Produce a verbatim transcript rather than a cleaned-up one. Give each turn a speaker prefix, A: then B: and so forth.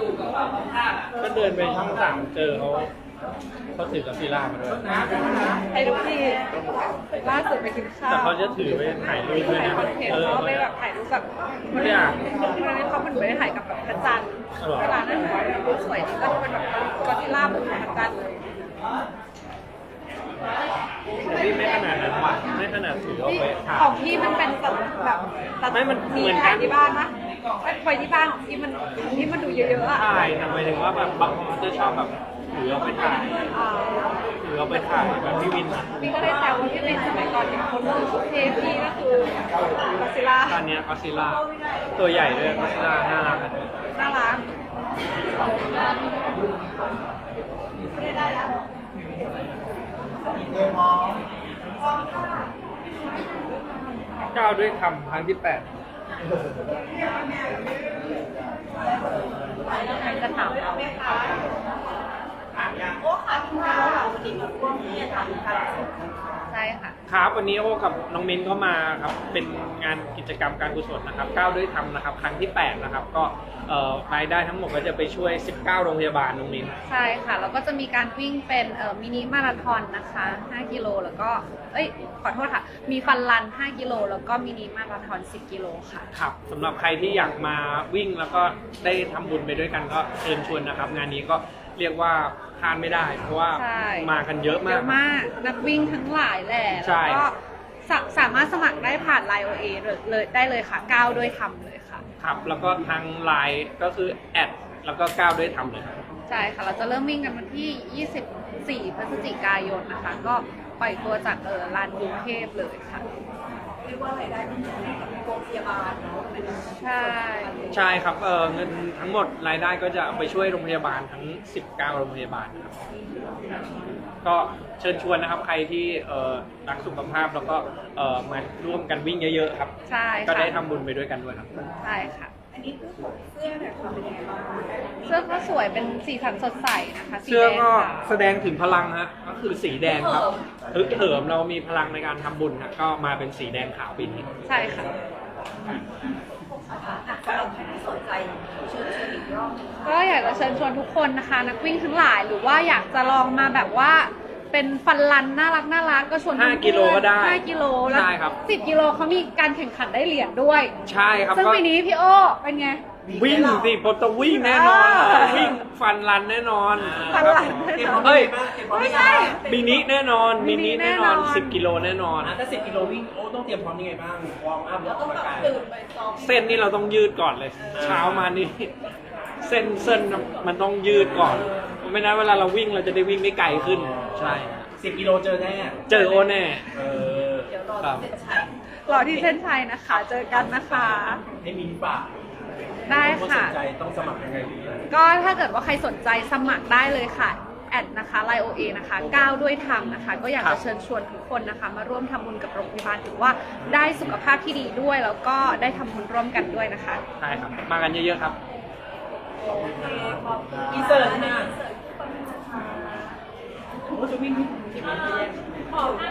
A: ก็เดินไปช่องสามเจอเขาเขาถือกับซีล่ามาด้วย
B: ไปทุกที่ล่าสุดไปกินข้าว
A: แต่เขาจะถือไปถ่ายรูปด้วย
B: ถ่าย
A: นะ
B: คอนเทน
A: เอ
B: ต์
A: อ
B: เขาไปแบบถ่ายรูปแบบ
A: ไม่ได้อ่าน
B: วันนั้นเขาเหมือนไปถ่ายกับแบบพระจันทร์เวลานั้นรูปสวยดีก็เป็นแบบกอริลลาบนพระจันทร์เลย
A: แต่พี่ไม่ขนาดนั้นว่ะไม่ขนาดถือเอาไปถ่าย
B: ของพี่มันเป็นแบบตัด
A: ไม่มันเหมือนกัน
B: ถ่ายที่บ้านนะไม่ไปที่บ้านของพี่มันของพี่มันดูเยอะๆอ่ะ
A: ถ่ายแต่หมายถึงว่าแบบบางคนจะชอบแบบถือเอาไปถ่าย
B: อ่า
A: ถือเอาไปถ่ายแบบพี่วินอะ
B: พี่ก็ได้แซวว่าพี่เป็นสมัยก่อนเป็นคนถือชุดเทพี่ก็คือกอริลลา
A: ตอนเนี้ยก็ซีล่าตัวใหญ่ด้วยก็ซีล่าน่ารักอะ
B: น่ารัก
A: ก้าวด้วยคำครั้งที่แปด
B: จะถามเราใช่ค่ะ
A: ครับวันนี้โอ้กับน้องมิ้นก็มาครับเป็นงานกิจกรรมการกุศลนะครับก้าวด้วยธรรมนะครับครั้งที่แปดนะครับก็เอ่อรายได้ทั้งหมดก็จะไปช่วยสิบเก้าโรงพยาบาลน้องมิ้น
B: ใช่ค่ะแล้วก็จะมีการวิ่งเป็นเอ่อมินิมาราธอนนะคะห้ากิโลแล้วก็เอ้ยขอโทษค่ะมีฟันรันห้ากิโลแล้วก็มินิมาราธอนสิบกิโลค่ะ
A: ครับสำหรับใครที่อยากมาวิ่งแล้วก็ได้ทำบุญไปด้วยกันก็เชิญชวนนะครับ งานนี้ก็เรียกว่าพลาดไม่ได้ เพราะว่า
B: ใช่
A: มากันเยอะ
B: เย
A: มาก
B: อะมากนักวิ่งทั้งหลายแหละ
A: ใช่
B: แล้วก็สาสามารถสมัครได้ผ่านไลน์ โอ เอ เลยเลยได้เลยค่ะก้าวด้วยทำเลยค่ะ
A: ครับแล้วก็ทางไลน์ก็คือแอดแล้วก็ก้าวด้วยทำเลยครับ
B: ใช่ค่ะเราจะเริ่มวิ่งกันวันที่ยี่สิบสี่พฤศจิกายนนะคะ ก็ปล่อยตัวจากเออลานกรุงเทพเลยค่ะเรียกว่าอะไรได้เป็นโรงพยาบาลใช่
A: ใช่ครับเออเงินทั้งหมดรายได้ก็จะเอาไปช่วยโรงพยาบาลทั้งสิบเก้าโรงพยาบาลนะครับก็เชิญชวนนะครับใครที่เอ่อรักสุขภาพแล้วก็เอ่อมาร่วมกันวิ่งเยอะๆครับ
B: ใช่ค่ะ
A: ก็ได้ทำบุญไปด้วยกันด้วยครับ
B: ใช่ค่ะอันนี้คือเสื้อเนี่ยเป็นยังไงบ้างเสื้อก็สวยเป็นสีสันสดใสนะคะสี
A: เสื้อ
B: แดง
A: ก็
B: ขาว
A: แสดงถึงพลังฮะก็คือสีแดงครับฮึกเหิมเรามีพลังในการทำบุญฮะก็มาเป็นสีแดงขาวปีนี้
B: ใช่ค่ะ ก็อยากจะเชิญชวนทุกคนนะคะ นักวิ่งทั้งหลายหรือว่าอยากจะลองมาแบบว่าเป็นฟันรันน่ารักน่ารักก็ชวน
A: ห้ากิโลก็ได้
B: ห้ากิโลแล้ว
A: ใช่ครับ
B: สิบกิโลเขามีการแข่งขันได้เหรียญด้วย
A: ใช่ครับ
B: ซึ่ง
A: ก็
B: ปีนี้พี่โอ้เป็นไง
A: วิ่งสิผมต้องวิ่งแน่นอน
B: อ่า
A: วิ่งฟันรันแน่นอน
B: ฟันรันแน่นอน
A: เฮ้ย
B: ไม่ใช่
A: มินิแน่นอน
B: มิ
A: มิ
B: นิ
A: นิ
B: แน่
A: แน่
B: น
A: น
B: อ
A: อน นสิบกิโลแน่นอน
C: อ่ะถ้าสิบกิโลวิ่งโอ้ต้องเตรียมพร้อมยังไงบ้างวอร์มอัพแล้วออกกำลังกาย
A: เส้นนี่เราต้องยืดก่อนเลย เช้ามานี่ เส้นเส้นมันต้องยืดก่อน ไม่นั้นเวลาเราวิ่งเราจะได้วิ่งได้ไกลขึ้น ใช่
C: สิบกิโลเจอแน่
A: เจอโอแน่
C: เออ
A: ครับ
B: รอที่เส้นชัยนะคะ เจอกันนะคะ
C: ให้มีฝาก
B: ได้
C: คนส
B: ค่ะ
C: นใจต้องสมัครยังไงดี
B: ก็ถ้าเกิดว่าใครสนใจสมัครได้เลยค่ะแอดนะคะไลน์ โอ เอ นะคะก้าวด้วยธรรมนะคะ ก็อยาก
A: ครั
B: จะ
A: บ
B: เชิญชวนทุกคนนะคะ มาร่วมทำบุญกับโรงพยาบาลถือว่าได้สุขภาพที่ดีด้วย แล้วก็ได้ทำบุญร่วมกันด้วยนะคะ
A: ใช่ครับ มากันเยอะๆครับ
C: อินเสิร์ตนะโอ้จะวิ่ง